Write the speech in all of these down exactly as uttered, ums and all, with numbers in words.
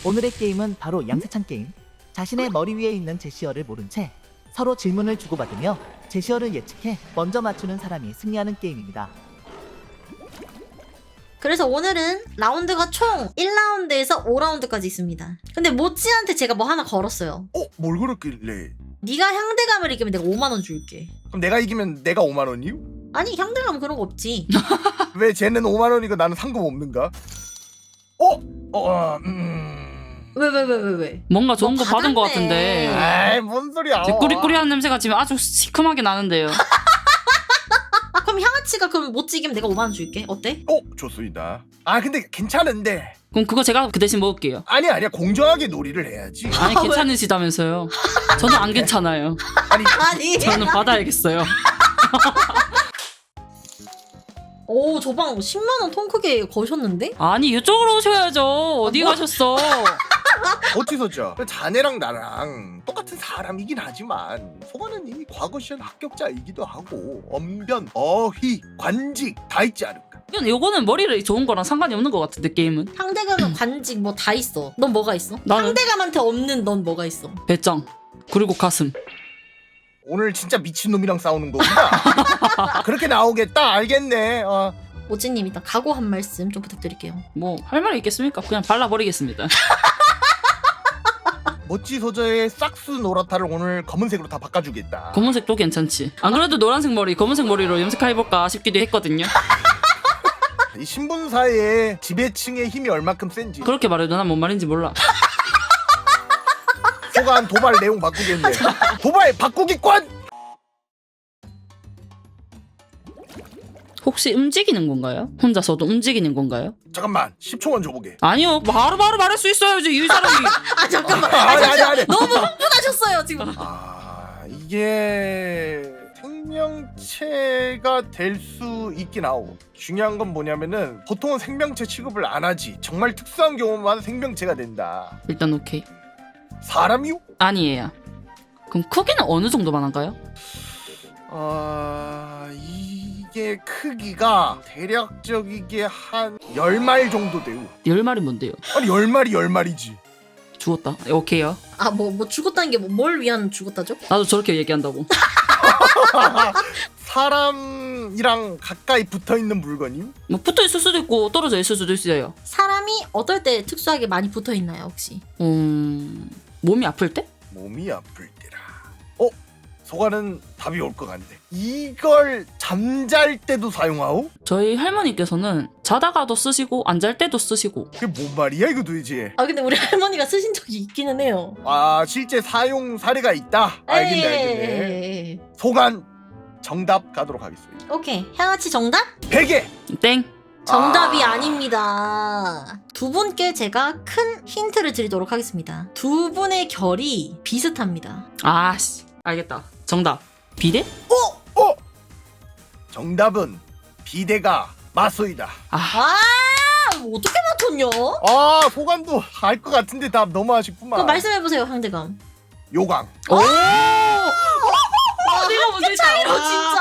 오늘의 게임은 바로 양세찬 게임. 자신의 머리 위에 있는 제시어를 모른 채 서로 질문을 주고받으며 제시어를 예측해 먼저 맞추는 사람이 승리하는 게임입니다. 그래서 오늘은 라운드가 총 일 라운드에서 오 라운드까지 있습니다. 근데 모찌한테 제가 뭐 하나 걸었어요. 어? 뭘 그랬길래? 네가 향대감을 이기면 내가 오만 원 줄게. 그럼 내가 이기면 내가 오만 원이요? 아니 향대감 그런 거 없지. 왜 쟤는 오만 원이고 나는 상금 없는가? 어? 어, 음... 왜 왜 왜 왜 왜? 뭔가 좋은 뭐 거 받은 것 받았네. 같은데. 아이 뭔 소리야. 이제 꾸리꾸리한 냄새가 지금 아주 시큼하게 나는데요. 그럼 향아치가 그럼 모찌 이기면 내가 오만 원 줄게. 어때? 어? 좋습니다. 아 근데 괜찮은데. 그럼 그거 제가 그 대신 먹을게요. 아니 아니야 공정하게 놀이를 해야지. 아니 아, 괜찮으시다면서요. 저는 안 괜찮아요. 아니 아니. 저는 받아야겠어요. 오, 저 방 십만 원 통 크게 거셨는데? 아니 이쪽으로 오셔야죠. 어디 뭐? 가셨어? 어찌서죠? 자네랑 나랑 똑같은 사람이긴 하지만 소가는 이미 과거 시험 합격자이기도 하고 언변, 어휘, 관직 다 있지 않을까? 이건 요거는 머리를 좋은 거랑 상관이 없는 것 같은데 게임은. 향대감은 관직 뭐 다 있어. 넌 뭐가 있어? 나는 향대감한테 없는 넌 뭐가 있어? 배짱 그리고 가슴. 오늘 진짜 미친놈이랑 싸우는 거구나. 그렇게 나오겠다 알겠네. 어. 모찌님 일단 각오 한 말씀 좀 부탁드릴게요. 뭐 할 말이 있겠습니까? 그냥 발라버리겠습니다. 멋지 소저의 싹스 노라타를 오늘 검은색으로 다 바꿔주겠다. 검은색도 괜찮지. 안 그래도 노란색 머리 검은색 머리로 염색해볼까 싶기도 했거든요. 이 신분사의 지배층의 힘이 얼마큼 센지 그렇게 말해도 난 뭔 말인지 몰라. 소간 도발 내용 바꾸겠네. 도발 바꾸기권! 혹시 움직이는 건가요? 혼자서도 움직이는 건가요? 잠깐만 십 초만 줘보게. 아니요. 바로바로 말할 수 있어야지. 이 사람이. 아 잠깐만. 아니, 아, 아니, 잠시만. 아니. 너무 흥분하셨어요 지금. 아 이게 생명체가 될 수 있긴 하고 중요한 건 뭐냐면은 보통은 생명체 취급을 안 하지. 정말 특수한 경우만 생명체가 된다. 일단 오케이. 사람이요? 아니에요. 그럼 크기는 어느 정도만 한가요? 아 이게 크기가 대략적이게 한 열 마일 정도 돼요. 열 마리 뭔데요? 아니 열 마리 열 마리지. 죽었다. 네, 오케이요. 아 뭐 뭐 죽었다는 게 뭘 위한 죽었다죠? 나도 저렇게 얘기한다고. 사람이랑 가까이 붙어있는 물건이요? 뭐 붙어 있을 수도 있고 떨어져 있을 수도 있어요. 사람이 어떨 때 특수하게 많이 붙어 있나요 혹시? 음... 몸이 아플 때? 몸이 아플 때라. 어? 소가는 답이 올 것 같네. 이걸 잠잘 때도 사용하오? 저희 할머니께서는 자다가도 쓰시고 안 잘 때도 쓰시고. 그게 뭔 말이야 이거 도대체? 아 근데 우리 할머니가 쓰신 적이 있기는 해요. 아 실제 사용 사례가 있다? 알겠네 알겠네. 에이. 소간 정답 가도록 하겠습니다. 오케이 향아치 정답? 베개! 땡. 정답이 아. 아... 닙니다 두 분께 제가 큰 힌트를 드리도록 하겠습니다. 두 분의 결이 비슷합니다. 아씨. 알겠다. 정답. 비데? 어? 어? 정답은 비데가 맞소이다. 아. 아 어떻게 맞췄냐? 아 소간도 알 것 같은데 답 너무 아쉽구만. 그럼 말씀해보세요 향대감. 요강. 오! 아, 내가 먼저 차이로 진짜.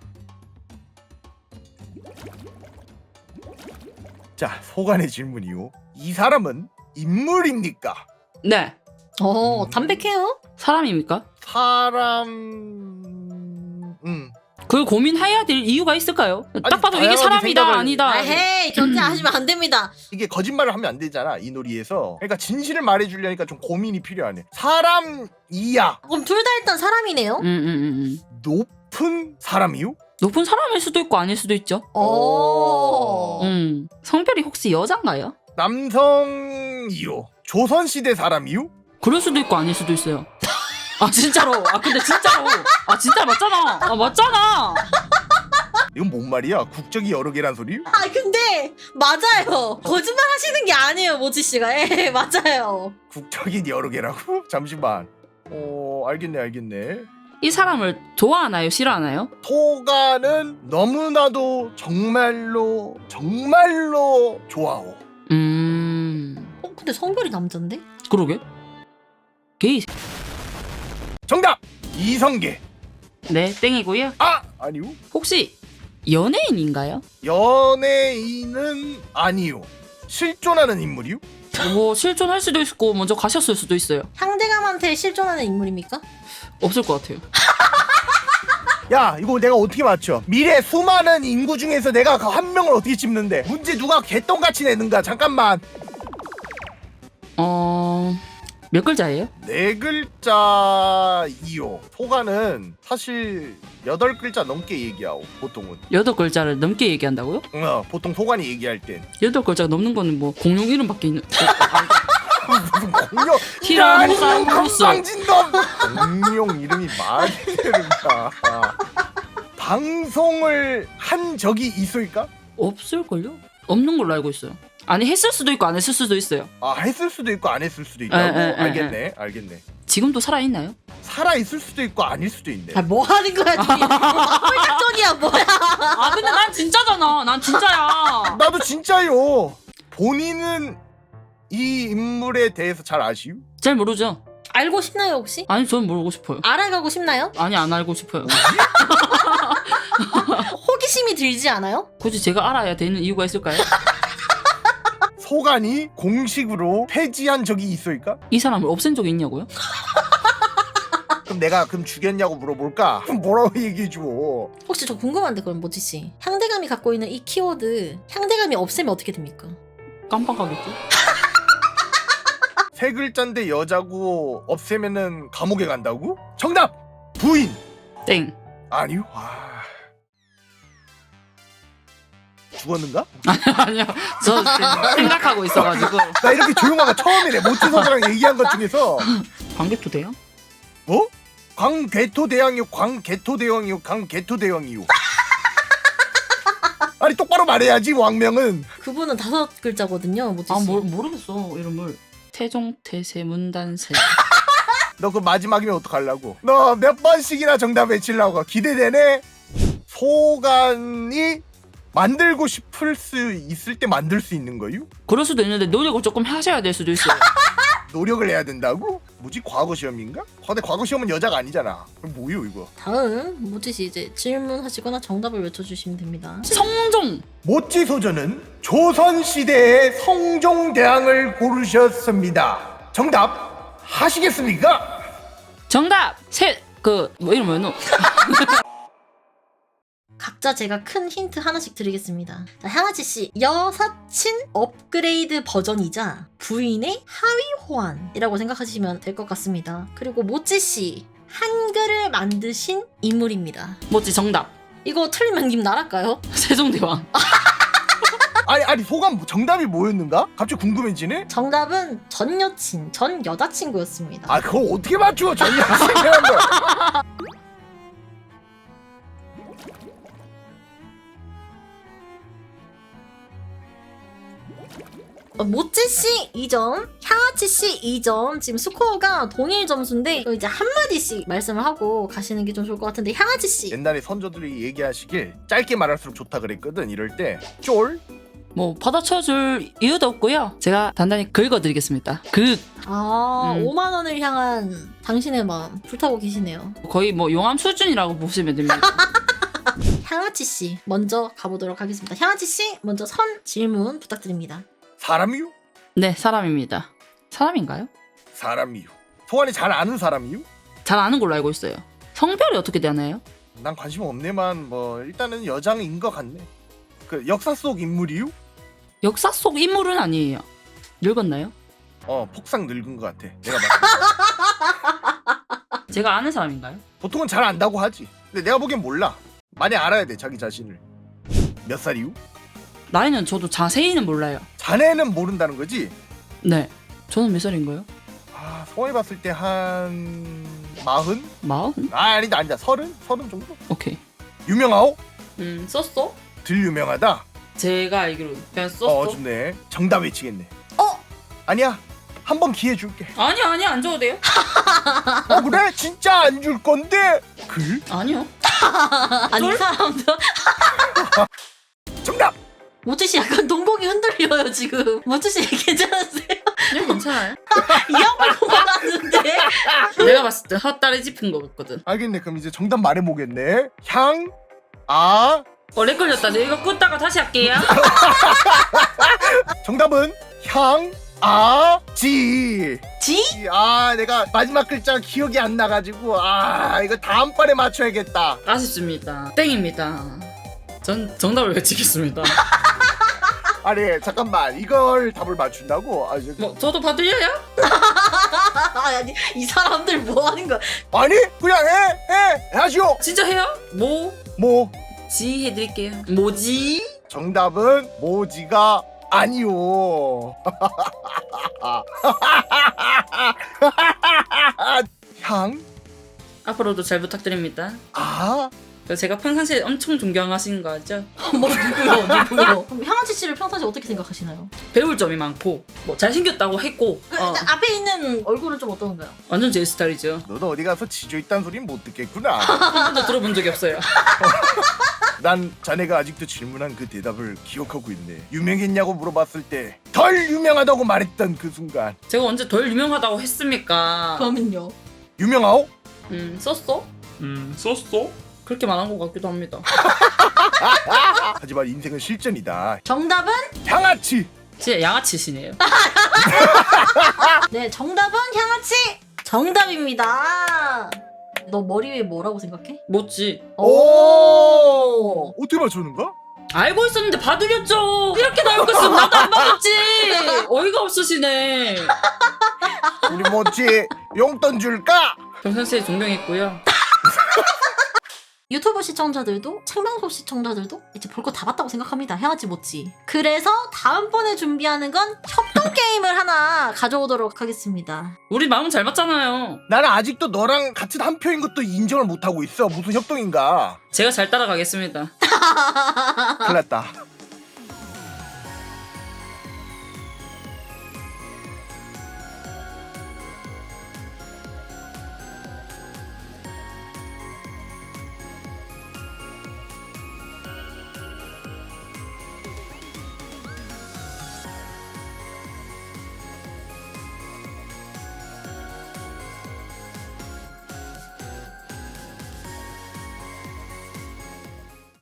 자 소간의 질문이요. 이 사람은 인물입니까? 네. 어 음. 담백해요? 사람입니까? 사람... 음. 그걸 고민해야 될 이유가 있을까요? 딱 봐도 이게 다양하게 사람이다 생각을- 아니다. 아 헤이 견제하시면 안 됩니다. 이게 거짓말을 하면 안 되잖아 이 놀이에서. 그러니까 진실을 말해주려니까 좀 고민이 필요하네. 사람이야. 그럼 둘 다 일단 사람이네요. 음, 음, 음, 음. 높은 사람이요? 높은 사람일 수도 있고 아닐 수도 있죠. 오. 음. 성별이 혹시 여잔가요? 남성이요. 조선시대 사람이요? 그럴 수도 있고 아닐 수도 있어요. 아 진짜로. 아 근데 진짜로. 아 진짜 맞잖아. 아 맞잖아. 이건 뭔 말이야? 국적이 여러 개란 소리? 아 근데 맞아요. 거짓말 하시는 게 아니에요 모지 씨가. 예 맞아요. 국적이 여러 개라고? 잠시만. 어 알겠네 알겠네. 이 사람을 좋아하나요? 싫어하나요? 소가는 너무나도 정말로 정말로 좋아오. 음. 어 근데 성별이 남잔데? 그러게. 게이. 정답! 이성계. 네 땡이고요. 아! 아니요. 혹시 연예인인가요? 연예인은 아니요. 실존하는 인물이요? 뭐 실존할 수도 있고 먼저 가셨을 수도 있어요. 향대감한테 실존하는 인물입니까? 없을 것 같아요. 야 이거 내가 어떻게 맞춰? 미래 수많은 인구 중에서 내가 그 한 명을 어떻게 찝는데? 문제 누가 개똥같이 내는가? 잠깐만. 어... 몇 글자예요? 네 글자이요. 소가는 사실 여덟 글자 넘게 얘기하고 보통은. 여덟 글자를 넘게 얘기한다고요? 어, 보통 소관이 얘기할 땐 여덟 글자가 넘는 거는 뭐 공룡 이름밖에 있는. 무슨 공룡 티라노사우루스. 빵진놈 공룡 이름이 말이 되는가? 방송을 한 적이 있을까? 없을걸요? 없는 걸로 알고 있어요. 아니 했을 수도 있고 안 했을 수도 있어요. 아 했을 수도 있고 안 했을 수도 있다고? 에, 에, 에, 알겠네 알겠네. 지금도 살아있나요? 살아 있을 수도 있고 아닐 수도 있네. 아, 뭐 하는 거야, 지금? 홀작전이야, 뭐야? 아 근데 난 진짜잖아. 난 진짜야. 나도 진짜요. 본인은 이 인물에 대해서 잘 아시오? 잘 모르죠? 알고 싶나요, 혹시? 아니 저는 모르고 싶어요. 알아가고 싶나요? 아니 안 알고 싶어요. 호기심이 들지 않아요? 굳이 제가 알아야 되는 이유가 있을까요? 소관이 공식으로 폐지한 적이 있을까? 이 사람을 없앤 적이 있냐고요? 그럼 내가 그럼 죽였냐고 물어볼까? 그럼 뭐라고 얘기해줘? 혹시 저 궁금한데, 그럼 모찌씨. 향대감이 갖고 있는 이 키워드, 향대감이 없애면 어떻게 됩니까? 깜빡하겠죠? 세 글자인데 여자고 없애면은 감옥에 간다고? 정답! 부인! 땡. 아니요? 아... 죽었는가? 아니요. 저 지금 생각하고 있어가지고. 나 이렇게 조용한 거 처음이네. 모찌소저랑 얘기한 것 중에서. 광개토대요? 뭐? 광개토대왕이요 광개토대왕이요 광개토대왕이요. 아니 똑바로 말해야지 왕명은. 그분은 다섯 글자거든요, 모찌씨. 아 모, 모르겠어 이름을. 태종태세 문단세. 너 그 마지막이면 어떡하려고? 너 몇 번씩이나 정답 외치려고. 기대되네. 소관이 만들고 싶을 수 있을 때 만들 수 있는 거요? 그럴 수도 있는데 노력을 조금 하셔야 될 수도 있어요. 노력을 해야 된다고? 뭐지? 과거 시험인가? 근데 과거 시험은 여자가 아니잖아. 그럼 뭐요 이거? 다음, 모찌씨 이제 질문하시거나 정답을 외쳐주시면 됩니다. 성종. 모찌소저는 조선시대의 성종대왕을 고르셨습니다. 정답 하시겠습니까? 정답. 세그 뭐 이름 뭐였노? 각자 제가 큰 힌트 하나씩 드리겠습니다. 자, 향아치씨, 여사친 업그레이드 버전이자 부인의 하위 호환이라고 생각하시면 될 것 같습니다. 그리고 모찌씨, 한글을 만드신 인물입니다. 뭐지 정답. 이거 틀리면 님 나랄까요? 세종대왕. 아니 아니 소감 정답이 뭐였는가? 갑자기 궁금해지네. 정답은 전 여친, 전 여자친구였습니다. 아 그걸 어떻게 맞추어? 전혀 생각한 거. 어, 모찌씨 이 점, 향아치씨 이 점. 지금 스코어가 동일 점수인데 이거 이제 한마디씩 말씀을 하고 가시는 게 좀 좋을 것 같은데, 향아치씨. 옛날에 선조들이 얘기하시길 짧게 말할수록 좋다 그랬거든. 이럴 때 쫄. 뭐 받아쳐줄 이유도 없고요. 제가 단단히 긁어드리겠습니다. 긁. 아, 음. 오만 원을 향한 당신의 마음 불타고 계시네요. 거의 뭐 용암 수준이라고 보시면 됩니다. 향아치씨 먼저 가보도록 하겠습니다. 향아치씨 먼저 선 질문 부탁드립니다. 사람이요? 네 사람입니다. 사람인가요? 사람이요. 소환이 잘 아는 사람이요? 잘 아는 걸로 알고 있어요. 성별이 어떻게 되나요? 난 관심 없네만 뭐 일단은 여장인 것 같네. 그 역사 속 인물이요? 역사 속 인물은 아니에요. 늙었나요? 어 폭삭 늙은 것 같아. 내가 봤을 때. 제가 아는 사람인가요? 보통은 잘 안다고 하지. 근데 내가 보기엔 몰라. 많이 알아야 돼 자기 자신을. 몇 살이요? 나이는 저도 자세히는 몰라요. 자네는 모른다는 거지? 네. 저는 몇 살인가요? 아 소환이 봤을 때 한 마흔? 마흔? 아 아니다 아니다 서른? 서른 정도? 오케이. 유명하오? 음 썼어? 들 유명하다? 제가 알기로 그냥 어 좋네. 정답 외치겠네. 어? 아니야 한 번 기회 줄게. 아니 아니 안 줘도 돼요? 어 그래? 진짜 안 줄 건데? 글? 아니요. 아니, 이 사람도. 정답! 모찌씨 약간 동공이 흔들려요 지금. 모찌씨 괜찮으세요? 네 괜찮아요. 이 양말 고만하는데. 내가 봤을 때 헛다리 짚은 거 같거든. 알겠네. 그럼 이제 정답 말해보겠네. 향, 아, 어 렉 걸렸다. 내가 이거 끄다가 다시 할게요. 정답은 향, 아, 지. 지? 아, 내가 마지막 글자 기억이 안 나가지고 아, 이거 다음번에 맞춰야겠다. 아쉽습니다. 땡입니다. 전 정답을 외치겠습니다. 아니, 잠깐만, 이걸 답을 맞춘다고? 아, 저, 뭐 저도 봐드려요? 아니 이 사람들 뭐 하는 거야? 아니, 그냥 해, 해, 하시오. 진짜 해요? 뭐? 뭐, 지 해드릴게요. 뭐지? 정답은 모지가 아니오. 향? 앞으로도 잘 부탁드립니다. 아? 제가 평상시에 엄청 존경하시는 거 알죠? 뭐 누구요? 누구요? 그럼 향아치 씨를 평상시 어떻게 생각하시나요? 배울 점이 많고 뭐 잘생겼다고 했고 그, 어, 일단 앞에 있는 얼굴은 좀 어떤가요? 완전 제 스타일이죠. 너도 어디 가서 지조 있다는 소리는 못 듣겠구나. 한 번도 들어본 적이 없어요. 난 자네가 아직도 질문한 그 대답을 기억하고 있네. 유명했냐고 물어봤을 때 덜 유명하다고 말했던 그 순간. 제가 언제 덜 유명하다고 했습니까? 그러면요. 유명하오? 음 썼어? 음 썼어? 그렇게 말한 것 같기도 합니다. 하지만 인생은 실전이다. 정답은? 향아치. 진짜 양아치시네요. 네, 정답은 향아치 정답입니다. 너 머리 위에 뭐라고 생각해? 뭐지? 오. 어떻게 맞췄는가? 알고 있었는데 봐드렸죠. 이렇게 나올 거였으면 나도 안 받았지. 어이가 없으시네. 우리 뭐지? 용돈 줄까? 평상시에 존경했고요. 유튜브 시청자들도 생방송 시청자들도 이제 볼 거 다 봤다고 생각합니다. 향아치 모찌. 그래서 다음번에 준비하는 건 협동 게임을 하나 가져오도록 하겠습니다. 우리 마음 잘 맞잖아요. 나는 아직도 너랑 같은 한 표인 것도 인정을 못하고 있어. 무슨 협동인가? 제가 잘 따라가겠습니다. 큰일 났다.